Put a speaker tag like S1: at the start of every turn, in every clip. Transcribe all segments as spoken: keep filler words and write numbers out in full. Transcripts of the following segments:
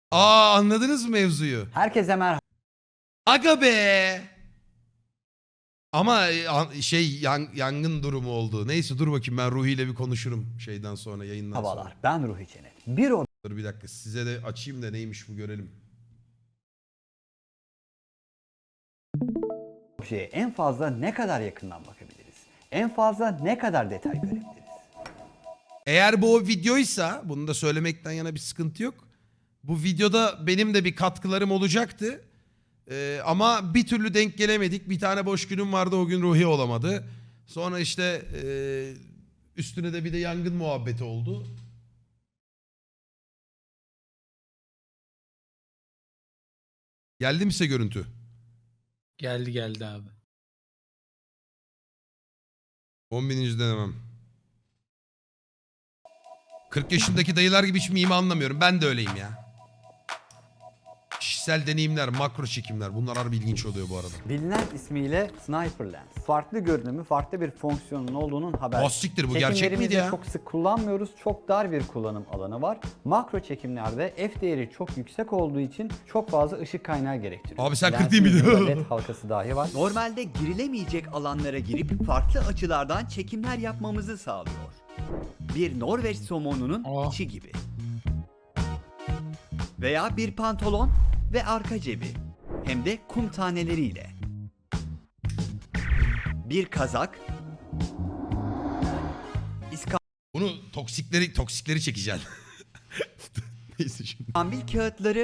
S1: Aa, anladınız mı mevzuyu?
S2: Herkese merhaba.
S1: Aga be. Ama e, an- şey yan- yangın durumu oldu. Neyse dur bakayım, ben Ruhi ile bir konuşurum şeyden sonra, yayından sonra.
S2: Merhabalar. Ben Ruhi Çenet. Bir
S1: Dur bir dakika, size de açayım da neymiş bu görelim.
S2: objeye en fazla ne kadar yakından bakabiliriz? En fazla ne kadar detay görebiliriz?
S1: Eğer bu o videoysa, bunu da söylemekten yana bir sıkıntı yok. Bu videoda benim de bir katkılarım olacaktı. Ee, ama bir türlü denk gelemedik. Bir tane boş günüm vardı, o gün Ruhi olamadı. Sonra işte e, üstüne de bir de yangın muhabbeti oldu. Geldi mi size görüntü?
S3: Geldi geldi abi.
S1: on bininci denemem. kırk yaşındaki dayılar gibi hiç mimi anlamıyorum. Ben de öyleyim ya. Kişisel deneyimler, makro çekimler. Bunlar harbi ilginç oluyor bu arada.
S2: Bilinen ismiyle Sniper Lens. Farklı görünümü, farklı bir fonksiyonun olduğunun haberi.
S1: Oh siktir, bu gerçek miydi ya?
S2: çok sık kullanmıyoruz. Çok dar bir kullanım alanı var. Makro çekimlerde f değeri çok yüksek olduğu için çok fazla ışık kaynağı gerektiriyor.
S1: Abi sen
S2: Lensin
S1: kırk değil miydin?
S2: ucunda led halkası dahi var.
S4: Normalde girilemeyecek alanlara girip farklı açılardan çekimler yapmamızı sağlıyor. Bir Norveç somonunun
S3: Oh.
S4: içi gibi. Veya bir pantolon ve arka cebi. Hem de kum taneleriyle. Bir kazak.
S1: Bunu toksikleri toksikleri çekeceksin. Neyse şimdi.
S4: İskambil kağıtları.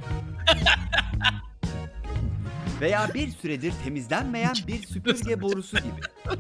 S4: Veya bir süredir temizlenmeyen bir süpürge borusu gibi.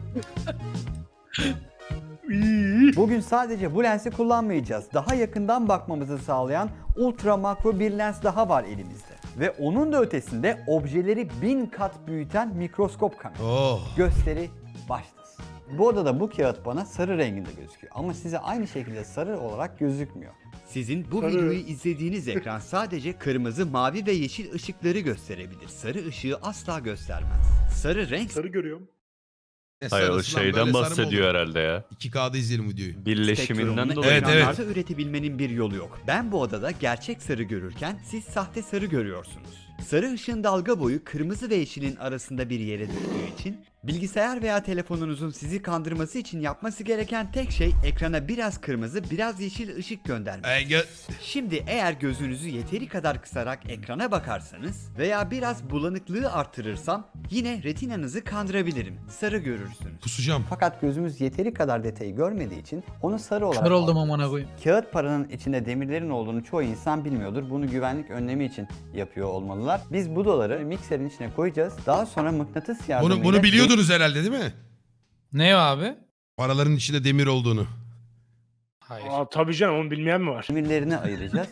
S2: Bugün sadece bu lensi kullanmayacağız. Daha yakından bakmamızı sağlayan ultra makro bir lens daha var elimizde. Ve onun da ötesinde objeleri bin kat büyüten mikroskop kamera.
S1: Oh.
S2: Gösteri başlasın. Bu odada bu kağıt bana sarı renginde gözüküyor ama size aynı şekilde sarı olarak gözükmüyor.
S4: Sizin bu videoyu izlediğiniz ekran sadece kırmızı, mavi ve yeşil ışıkları gösterebilir. Sarı ışığı asla göstermez. Sarı renk
S5: Sarı görüyorum.
S1: Ne
S6: Hayır o
S1: sarısı lan, böyle
S6: şeyden
S1: sarı mı
S6: bahsediyor
S1: olur?
S6: herhalde ya.
S1: iki K'da izleyelim videoyu.
S6: Birleşiminden
S4: spektrumunu
S6: dolayı.
S1: Evet,
S4: ekranlarda üretebilmenin bir yolu yok. Ben bu odada gerçek sarı görürken siz sahte sarı görüyorsunuz. Sarı ışığın dalga boyu kırmızı ve yeşilin arasında bir yere düştüğü için bilgisayar veya telefonunuzun sizi kandırması için yapması gereken tek şey ekrana biraz kırmızı, biraz yeşil ışık göndermek.
S1: Ee, gö-
S4: Şimdi eğer gözünüzü yeteri kadar kısarak ekrana bakarsanız veya biraz bulanıklığı arttırırsam yine retinanızı kandırabilirim. Sarı görürsünüz.
S1: Kusacağım.
S2: Fakat gözümüz yeteri kadar detayı görmediği için onu sarı olarak
S3: Kör oldum
S2: algılıyoruz.
S3: amına koyayım.
S2: Kağıt paranın içinde demirlerin olduğunu çoğu insan bilmiyordur. Bunu güvenlik önlemi için yapıyor olmalılar. Biz bu doları mikserin içine koyacağız. Daha sonra mıknatıs yardımıyla...
S1: Bunu, bunu biliyordunuz herhalde değil mi?
S3: Ne o abi?
S1: Paraların içinde demir olduğunu.
S3: Hayır.
S5: Aa, tabii canım, onu bilmeyen mi var?
S2: Demirlerini ayıracağız.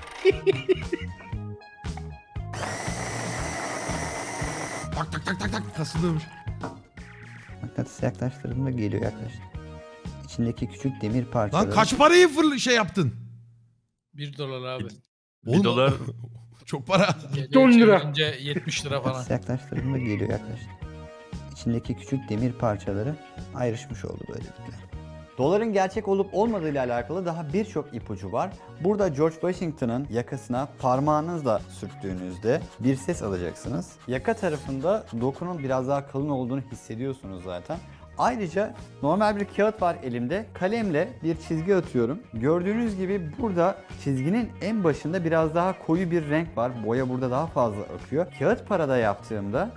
S1: Tak tak tak tak tak kasılıyormuş.
S2: Mıknatıs yaklaştırdığında geliyor yaklaştı. İçindeki küçük demir parçaları...
S1: Lan kaç parayı fırl şey yaptın?
S3: bir dolar abi.
S1: Oğlum,
S6: dolar-
S1: çok para.
S5: on lira.
S3: Çevirince yetmiş lira falan.
S2: Mıknatıs yaklaştırdığında geliyor yaklaştı. İçindeki küçük demir parçaları ayrışmış oldu böylelikle. Doların gerçek olup olmadığı ile alakalı daha birçok ipucu var. Burada George Washington'ın yakasına parmağınızla sürttüğünüzde bir ses alacaksınız. Yaka tarafında dokunun biraz daha kalın olduğunu hissediyorsunuz zaten. Ayrıca normal bir kağıt var elimde. Kalemle bir çizgi atıyorum. Gördüğünüz gibi burada çizginin en başında biraz daha koyu bir renk var. Boya burada daha fazla akıyor. Kağıt parada yaptığımda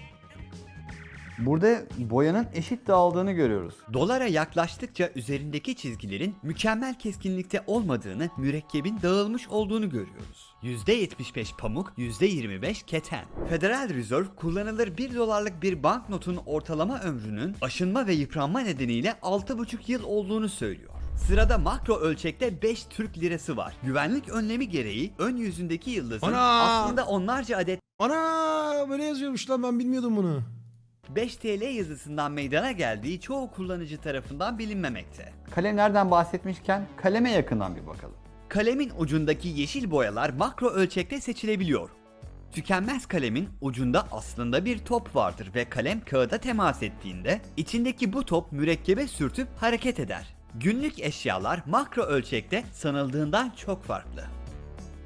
S2: burada boyanın eşit dağıldığını görüyoruz.
S4: Dolara yaklaştıkça üzerindeki çizgilerin mükemmel keskinlikte olmadığını, mürekkebin dağılmış olduğunu görüyoruz. yüzde yetmiş beş pamuk, yüzde yirmi beş keten. Federal Reserve kullanılır bir dolarlık bir banknotun ortalama ömrünün aşınma ve yıpranma nedeniyle altı buçuk yıl olduğunu söylüyor. Sırada makro ölçekte beş Türk lirası var. Güvenlik önlemi gereği ön yüzündeki yıldızın
S1: Ana!
S4: aslında onlarca adet
S1: Ana böyle yazıyormuş lan, ben bilmiyordum bunu.
S4: beş T L yazısından meydana geldiği çoğu kullanıcı tarafından bilinmemekte.
S2: Kalemlerden bahsetmişken kaleme yakından bir bakalım.
S4: Kalemin ucundaki yeşil boyalar makro ölçekte seçilebiliyor. Tükenmez kalemin ucunda aslında bir top vardır ve kalem kağıda temas ettiğinde içindeki bu top mürekkebe sürtüp hareket eder. Günlük eşyalar makro ölçekte sanıldığından çok farklı.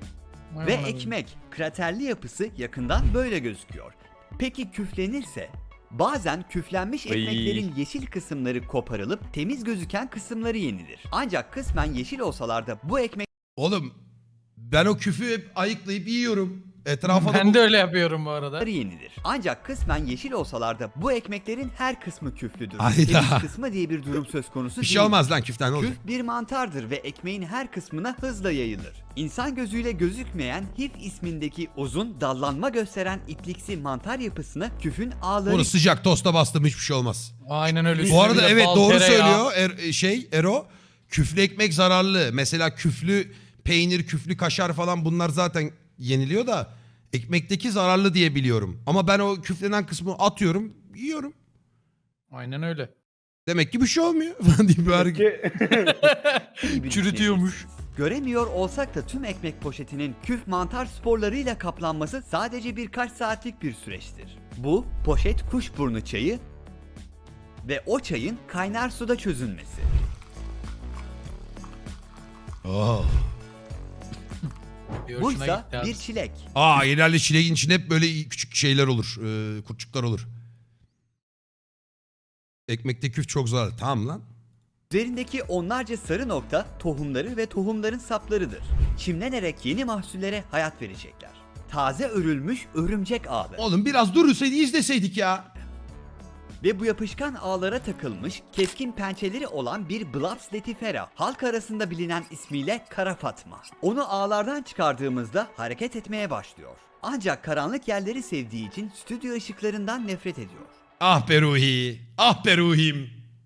S3: Vay
S4: Ve
S3: amına koyayım.
S4: ekmek, kraterli yapısı yakından böyle gözüküyor. Peki küflenirse? Bazen küflenmiş
S6: Ay.
S4: ekmeklerin yeşil kısımları koparılıp temiz gözüken kısımları yenilir. Ancak kısmen yeşil olsalar da bu ekmek
S1: Oğlum ben o küfü hep ayıklayıp yiyorum. Etrafa da
S3: Ben
S1: bu-
S3: de öyle yapıyorum bu arada.
S4: yenilir. Ancak kısmen yeşil olsalar da bu ekmeklerin her kısmı küflüdür.
S1: Hayda.
S4: Temiz kısmı diye bir durum söz konusu
S1: bir şey
S4: değil.
S1: olmaz lan küften ne olacak?
S4: Küf bir mantardır ve ekmeğin her kısmına hızla yayılır. İnsan gözüyle gözükmeyen hif ismindeki uzun, dallanma gösteren ipliksi mantar yapısına küfün ağları
S1: Onu sıcak tosta bastım hiçbir şey olmaz.
S3: Aynen öyle.
S1: Bu arada
S3: Üstüne
S1: evet
S3: bal,
S1: doğru
S3: tereyağı.
S1: söylüyor Er- şey Ero. Küflü ekmek zararlı. Mesela küflü peynir, küflü kaşar falan bunlar zaten yeniliyor da ekmekteki zararlı diye biliyorum. Ama ben o küflenen kısmı atıyorum, yiyorum.
S3: Aynen öyle.
S1: Demek ki bir şey olmuyor falan diye bir hareket.
S5: Ki
S4: iyi bir
S3: Çürütüyormuş.
S4: düşünebilirsiniz. Göremiyor olsak da tüm ekmek poşetinin küf mantar sporlarıyla kaplanması sadece birkaç saatlik bir süreçtir. Bu poşet kuşburnu çayı ve o çayın kaynar suda çözülmesi.
S1: Oh.
S3: Bir hoşuna
S4: Buysa
S3: gitti abi.
S4: bir çilek.
S1: Aa genelde çileğin içinde hep böyle küçük şeyler olur. E, kurtçuklar olur. Ekmekte küf çok zararlı. Tamam lan.
S4: Üzerindeki onlarca sarı nokta tohumları ve tohumların saplarıdır. Çimlenerek yeni mahsullere hayat verecekler. Taze örülmüş örümcek ağları.
S1: Oğlum biraz durursaydı izleseydik ya.
S4: Ve bu yapışkan ağlara takılmış, keskin pençeleri olan bir Blaps letifera, halk arasında bilinen ismiyle Kara Fatma. Onu ağlardan çıkardığımızda hareket etmeye başlıyor. Ancak karanlık yerleri sevdiği için stüdyo ışıklarından nefret ediyor.
S1: Ah be Ruhi. Ah be Ruhim.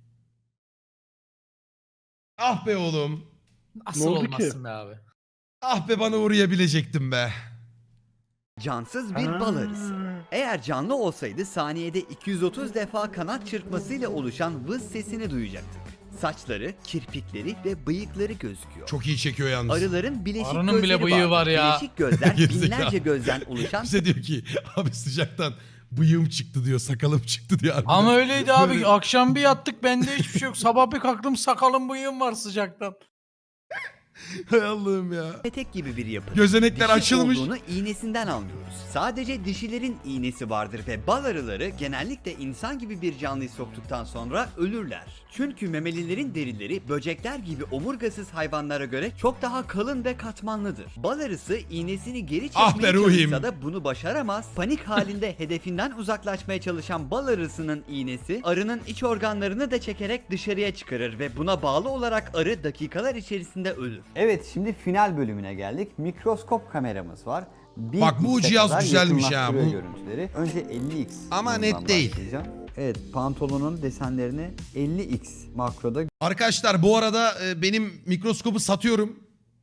S1: Ah be oğlum.
S3: Nasıl
S5: Ne oldu ki?
S3: olmazsın be abi?
S1: Ah be bana uğrayabilecektim be.
S4: Cansız bir
S5: Aa.
S4: bal arısı. Eğer canlı olsaydı saniyede iki yüz otuz defa kanat çırpmasıyla oluşan vız sesini duyacaktık. Saçları, kirpikleri ve bıyıkları gözüküyor.
S1: Çok iyi çekiyor yalnız.
S4: Arıların bileşik
S3: Arının
S4: gözleri
S3: bile bıyığı var ya.
S4: Bileşik gözler
S1: Gerizekalı.
S4: binlerce gözden oluşan
S1: Bize diyor ki abi sıcaktan bıyığım çıktı diyor, sakalım çıktı diyor. harbiden.
S3: Ama öyleydi abi.
S1: Böyle-
S3: Akşam bir yattık bende hiçbir şey yok. Sabah bir kalktım sakalım bıyığım var sıcaktan.
S1: Hay Allah'ım ya.
S4: petek gibi bir yapı.
S1: Gözenekler
S4: Dişi
S1: açılmış.
S4: olduğunu iğnesinden anlıyoruz. Sadece dişilerin iğnesi vardır ve bal arıları genellikle insan gibi bir canlıyı soktuktan sonra ölürler. Çünkü memelilerin derileri böcekler gibi omurgasız hayvanlara göre çok daha kalın ve katmanlıdır. Bal arısı iğnesini geri çekmeye
S1: Ah be ruhim.
S4: çalışsa da bunu başaramaz. Panik halinde hedefinden uzaklaşmaya çalışan bal arısının iğnesi arının iç organlarını da çekerek dışarıya çıkarır ve buna bağlı olarak arı dakikalar içerisinde ölür.
S2: Evet, şimdi final bölümüne geldik. Mikroskop kameramız var. bir
S1: Bak bu
S2: x'e
S1: cihaz
S2: kadar
S1: güzelmiş ha,
S2: yakınlaştırıyor
S1: bu-
S2: görüntüleri. Önce elli x
S1: Ama
S2: bundan
S1: net değil.
S2: başlayacağım. Evet, pantolonun desenlerini elli x makroda
S1: Arkadaşlar bu arada e, benim mikroskopu satıyorum.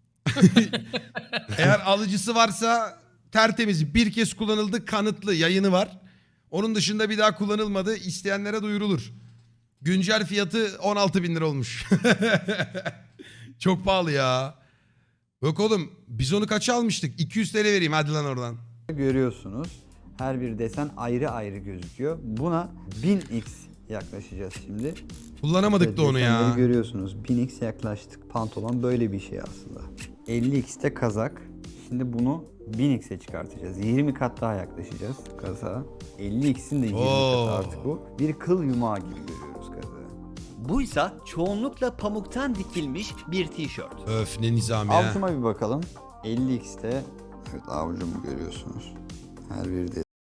S1: Eğer alıcısı varsa tertemiz bir kez kullanıldı, kanıtlı yayını var. Onun dışında bir daha kullanılmadı. İsteyenlere duyurulur. Güncel fiyatı on altı bin lira olmuş. Çok pahalı ya. Yok oğlum biz onu kaça almıştık? iki yüz TL vereyim hadi lan oradan.
S2: görüyorsunuz. Her bir desen ayrı ayrı gözüküyor. Buna bin x yaklaşacağız şimdi.
S1: Kullanamadık da onu
S2: Desenleri
S1: ya.
S2: görüyorsunuz. bin x yaklaştık. Pantolon böyle bir şey aslında. elli x'te kazak. Şimdi bunu bin x'e çıkartacağız. yirmi kat daha yaklaşacağız kazağa. elli x'in de yirmi
S1: Oo.
S2: katı artık bu. Bir kıl yumağı gibi görüyoruz kazağı.
S4: Buysa çoğunlukla pamuktan dikilmiş bir tişört.
S1: Öf ne nizam ya.
S2: Avucuma bir bakalım. elli x'te evet avucumu görüyorsunuz. Her bir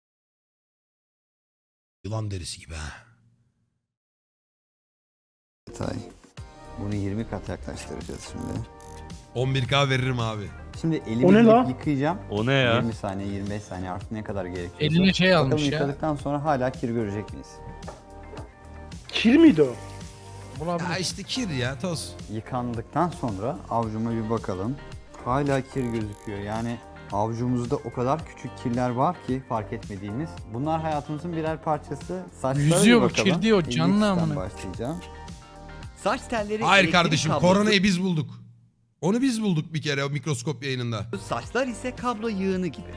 S1: Yılan derisi gibi ha.
S2: detay. Bunu yirmi kat yaklaştıracağız şimdi.
S1: on bir K veririm abi.
S2: Şimdi elimi
S5: O ne
S2: yık-
S5: la?
S2: yıkayacağım.
S6: O ne ya?
S2: yirmi saniye, yirmi beş saniye artık ne kadar gerekiyorsa.
S3: Eline şey
S2: Bakalım
S3: almış ya.
S2: yıkadıktan sonra hala kir görecek miyiz?
S5: kir miydi o?
S3: Bulabilir.
S1: Ya işte kir ya toz.
S2: Yıkandıktan sonra avucuma bir bakalım. Hala kir gözüküyor. Yani avucumuzda o kadar küçük kirler var ki fark etmediğimiz. Bunlar hayatımızın birer parçası. Saçlara
S3: Yüzüyor
S2: bir
S3: bu,
S2: bakalım.
S3: kir diyor,
S2: elli
S3: canlı
S2: x'ten
S3: amına.
S2: başlayacağım.
S4: Saç telleri,
S1: Hayır
S4: elektrik
S1: kardeşim
S4: kablosu,
S1: koronayı biz bulduk. Onu biz bulduk bir kere o mikroskop yayınında.
S4: saçlar ise kablo yığını gibi.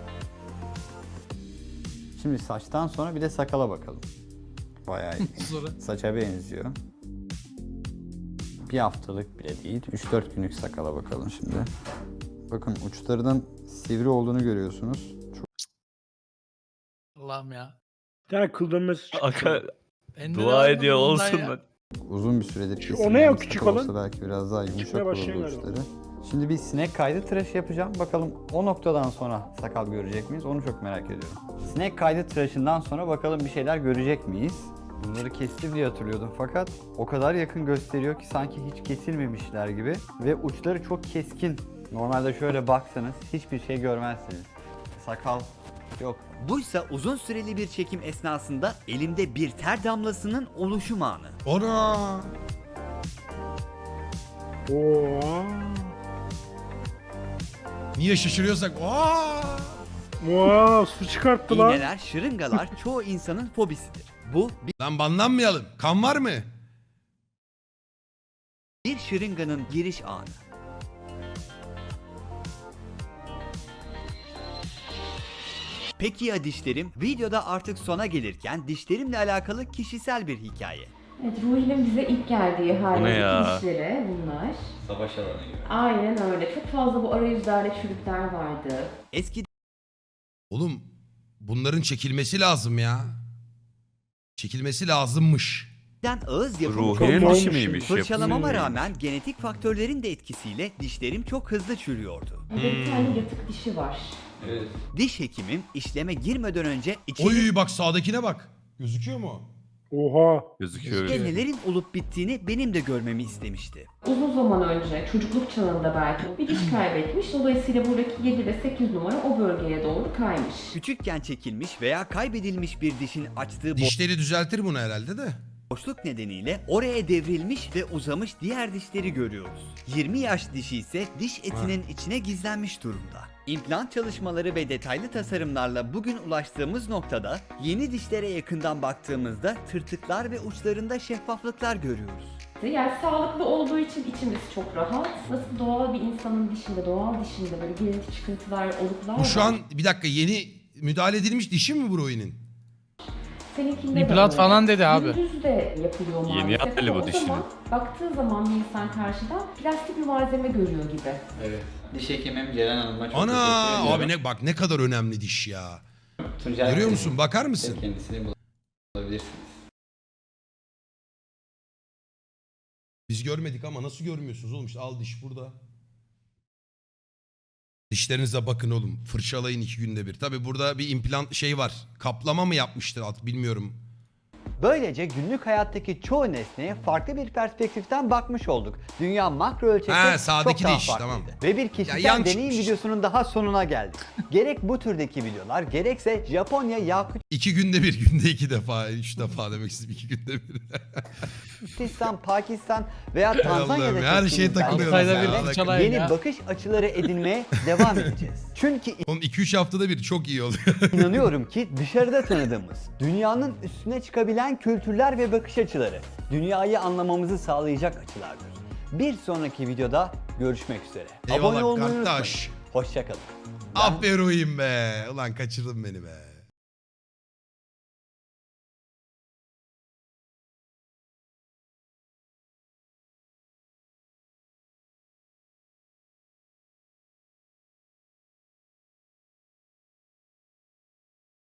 S2: Şimdi saçtan sonra bir de sakala bakalım. Bayağı iyi.
S3: Sonra.
S2: Saça benziyor. Bir haftalık bile değil. üç dört günlük sakala bakalım şimdi. Bakın uçlarının sivri olduğunu görüyorsunuz. Çok
S3: Allah'ım ya.
S5: Bir tane kıl dönmesi çıktı.
S6: Aka
S3: Ben de
S6: dua
S3: devam
S6: ediyor
S3: bundan
S6: olsun
S3: ya.
S6: lan.
S2: uzun bir süredir
S5: Şu-
S2: kesilmemiş.
S5: o ne ya küçük
S2: Sakal olsa
S5: olan?
S2: belki biraz daha yumuşak
S5: Çıkmaya
S2: olurdu
S5: başlayan galiba.
S2: uçları. Şimdi bir sinek kaydı tıraşı yapacağım. Bakalım o noktadan sonra sakal görecek miyiz? Onu çok merak ediyorum. Sinek kaydı tıraşından sonra bakalım bir şeyler görecek miyiz? Bunları kesti diye hatırlıyordum fakat o kadar yakın gösteriyor ki sanki hiç kesilmemişler gibi. Ve uçları çok keskin. Normalde şöyle baksanız hiçbir şey görmezsiniz. Sakal yok.
S4: Buysa uzun süreli bir çekim esnasında elimde bir ter damlasının oluşum anı.
S1: Ona.
S5: Oo.
S1: Niye şaşırıyorsak? Aa!
S5: Wow, su çıkarttı lan.
S4: İğneler, şırıngalar çoğu insanın fobisidir. Bu
S1: Lan banlanmayalım. Kan var mı?
S4: bir şırınganın giriş anı. Peki ya dişlerim? Videoda artık sona gelirken dişlerimle alakalı kişisel bir hikaye.
S7: Evet, Ruhi'nin bize ilk geldiği
S6: Bu ne
S7: haldeki
S6: ya?
S7: dişleri bunlar.
S2: Savaş alanı gibi.
S7: Aynen öyle. Çok fazla bu arayüzlerde çürükler vardı.
S4: Eskiden
S1: Oğlum bunların çekilmesi lazım ya. Çekilmesi lazımmış.
S4: ağız yapımı çok
S6: Ruhi'nin
S5: olmuş.
S6: dişi miymiş?
S4: fırçalamama
S6: yapımı
S4: rağmen genetik faktörlerin de etkisiyle dişlerim çok hızlı çürüyordu.
S7: Burada bir tane yatık dişi var.
S4: Diş hekimim işleme girmeden önce içeri
S1: Oy bak sağdakine bak. Gözüküyor mu?
S5: Oha.
S6: Gözüküyor.
S4: nelerin olup bittiğini benim de görmemi istemişti.
S7: Uzun zaman önce, çocukluk çağında belki bir diş kaybetmiş. Dolayısıyla buradaki yedi ve sekiz numara o bölgeye doğru kaymış.
S4: Küçükken çekilmiş veya kaybedilmiş bir dişin açtığı
S1: Dişleri düzeltir bunu herhalde de.
S4: boşluk nedeniyle oraya devrilmiş ve uzamış diğer dişleri görüyoruz. yirmi yaş dişi ise diş etinin içine gizlenmiş durumda. İmplant çalışmaları ve detaylı tasarımlarla bugün ulaştığımız noktada yeni dişlere yakından baktığımızda tırtıklar ve uçlarında şeffaflıklar görüyoruz.
S7: Yani sağlıklı olduğu için içimiz çok rahat. Nasıl doğal bir insanın dişinde, doğal dişinde böyle girinti çıkıntılar, oluklar
S1: Bu şu
S7: var.
S1: an bir dakika yeni müdahale edilmiş dişi mi bu Roy'nin?
S7: Seninkinde de
S3: İmplant
S7: öyle.
S3: falan dedi abi.
S7: Gündüz de yapılıyor maalesef.
S6: Yeni yaptı
S7: ama
S6: bu
S7: o
S6: dişini.
S7: zaman baktığı zaman bir insan karşıdan plastik bir malzeme görüyor gibi.
S2: Evet. Diş hekimim Ceren Hanım'a çok
S1: Ana
S2: teşekkür ediyorum.
S1: abi ne bak ne kadar önemli diş ya.
S2: Tuncay
S1: Görüyor
S2: Bey,
S1: musun? Bakar mısın?
S2: Kendisini bulabilirsiniz.
S1: Biz görmedik ama nasıl görmüyorsunuz oğlum? İşte al diş burada. Dişlerinize bakın oğlum. Fırçalayın iki günde bir. Tabi burada bir implant şey var. Kaplama mı yapmıştır alt bilmiyorum.
S2: Böylece günlük hayattaki çoğu nesneye farklı bir perspektiften bakmış olduk. Dünya makro ölçekte
S1: Ha,
S2: çok
S1: sağdaki
S2: daha
S1: diş,
S2: farklıydı.
S1: tamam.
S2: Ve bir kişisel
S1: Ya, yan
S2: deneyim
S1: çıkmış.
S2: videosunun daha sonuna geldik. Gerek bu türdeki videolar gerekse Japonya,
S1: İki günde bir, günde iki defa, üç defa demek istedim iki günde bir.
S2: Yakutistan'dan, Pakistan veya
S1: Allah'ım,
S2: Tanzanya'da
S1: her şeye
S2: çektiğimiz
S1: takılıyoruz
S3: Altayda
S1: ya.
S3: bir fırçalayın
S2: yeni
S3: ya.
S2: bakış açıları edinmeye devam edeceğiz. Çünkü
S1: Oğlum iki üç haftada bir çok iyi oluyor.
S2: İnanıyorum ki dışarıda tanıdığımız, dünyanın üstüne çıkabilen kültürler ve bakış açıları, dünyayı anlamamızı sağlayacak açılardır. Bir sonraki videoda görüşmek üzere.
S1: Eyvallah
S2: Abone olmayı
S1: kardeş.
S2: unutmayın. Hoşçakalın.
S1: Aferin be. Ulan kaçırdın beni be.